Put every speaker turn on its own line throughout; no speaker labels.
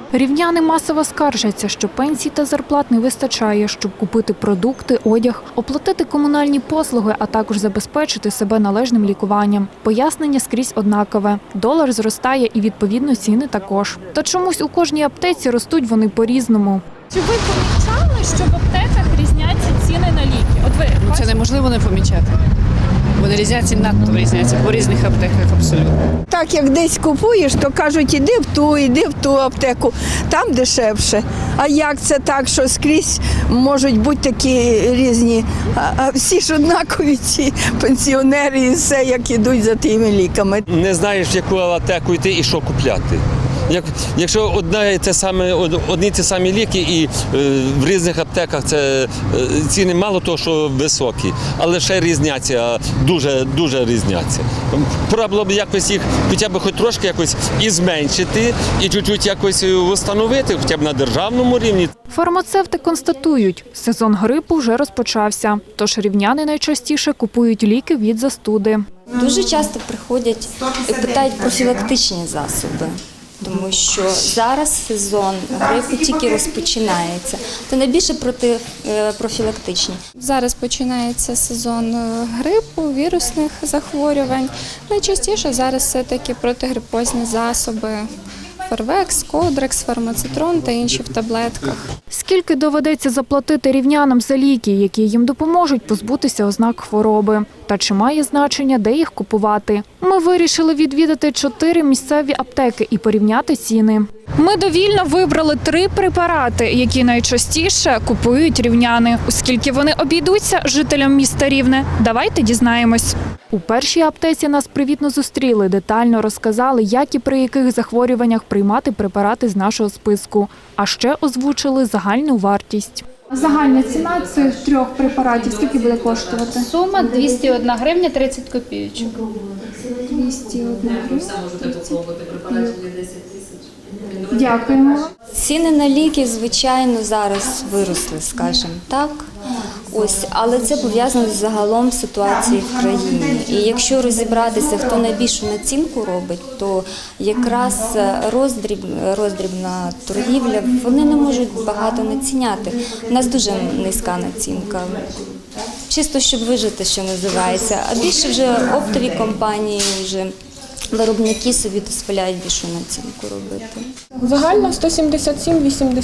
Рівняни масово скаржаться, що пенсій та зарплат не вистачає, щоб купити продукти, одяг, оплатити комунальні послуги, а також забезпечити себе належним лікуванням. Пояснення скрізь однакове. Долар зростає і, відповідно, ціни також. Та чомусь у кожній аптеці ростуть вони по-різному.
Чи ви помічали, що в аптеках різняться ціни на ліки? От ви
Це неможливо не помічати. Вони різняться, надто різняться по різних аптеках абсолютно.
Так, як десь купуєш, то кажуть, іди в ту аптеку, там дешевше. А як це так, що скрізь можуть бути такі різні, а всі ж однакові ці пенсіонери і все, як ідуть за тими ліками.
Не знаєш, в яку аптеку йти і що купляти. Якщо одні й ті самі ліки і в різних аптеках це ціни мало того, що високі, але ще різняться, дуже різняться. Пора було б якось їх хоча б хоч трошки якось і зменшити, і чуть-чуть якось встановити, хоча б на державному рівні.
Фармацевти констатують, сезон грипу вже розпочався, тож рівняни найчастіше купують ліки від застуди.
Дуже часто приходять і питають профілактичні засоби. Тому що зараз сезон грипу тільки розпочинається, то найбільше профілактичні.
зараз починається сезон грипу, вірусних захворювань. Найчастіше зараз все-таки протигрипозні засоби. Фервекс, Кодрекс, Фармацитрон та інші в таблетках.
Скільки доведеться заплатити рівнянам за ліки, які їм допоможуть позбутися ознак хвороби? Та чи має значення, де їх купувати? Ми вирішили відвідати 4 місцеві аптеки і порівняти ціни. Ми довільно вибрали 3 препарати, які найчастіше купують рівняни. Оскільки вони обійдуться жителям міста Рівне, давайте дізнаємось. У першій аптеці нас привітно зустріли, детально розказали, як і при яких захворюваннях приймати препарати з нашого списку. А ще озвучили загальну вартість.
Загальна ціна цих 3 препаратів скільки буде коштувати?
Сума 201 гривня 30 копійочок.
201 гривня. Дякуємо.
Ціни на ліки, звичайно, зараз виросли, скажімо так. Але це пов'язано з загалом ситуацією в країні. І якщо розібратися, хто найбільшу націнку робить, то якраз роздрібна торгівля, вони не можуть багато націняти. У нас дуже низька націнка. Чисто, щоб вижити, що називається. А більше вже оптові компанії, вже виробники собі дозволяють більшу націнку робити.
Загально 177,88.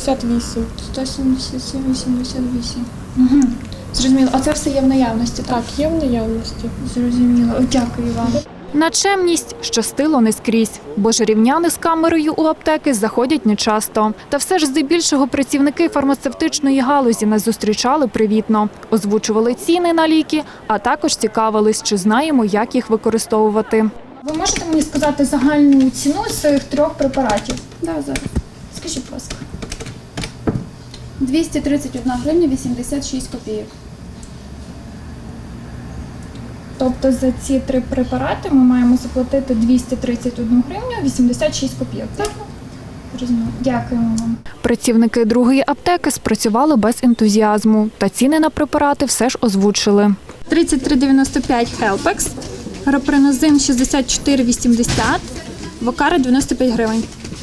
177,88.
Угу. Зрозуміло. А це все є в наявності, так?
Так, є в наявності.
Зрозуміло. Дякую вам.
На чемність щастило не скрізь, бо ж рівняни з камерою у аптеки заходять нечасто. Та все ж здебільшого працівники фармацевтичної галузі нас зустрічали привітно, озвучували ціни на ліки, а також цікавились, чи знаємо, як їх використовувати.
Ви можете мені сказати загальну ціну цих 3 препаратів?
Так, зараз.
Скажіть, будь ласка.
231 гривня 86 копійок.
Тобто за ці 3 препарати ми маємо заплатити 231 гривню 86 копійок. Так? Зрозуміло. Дякуємо вам.
Працівники другої аптеки спрацювали без ентузіазму, та ціни на препарати все ж озвучили.
33,95 Helpex, Гапренозин 64,80, Вокара 95 гривень.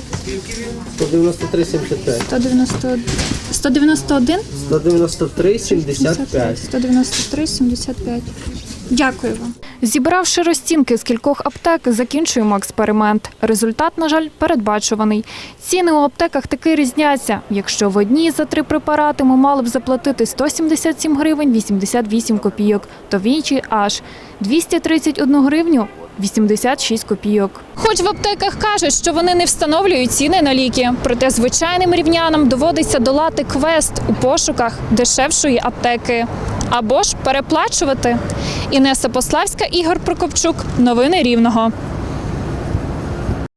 193,75.
191?
193,75.
193,75. Дякую вам.
Зібравши розцінки з кількох аптек, закінчуємо експеримент. Результат, на жаль, передбачуваний. Ціни у аптеках таки різняться. Якщо в одній за 3 препарати ми мали б заплатити 177 гривень 88 копійок, то в іншій аж 231 гривню 86 копійок. Хоч в аптеках кажуть, що вони не встановлюють ціни на ліки, проте звичайним рівнянам доводиться долати квест у пошуках дешевшої аптеки. Або ж переплачувати. Інеса Пославська, Ігор Прокопчук. Новини Рівного.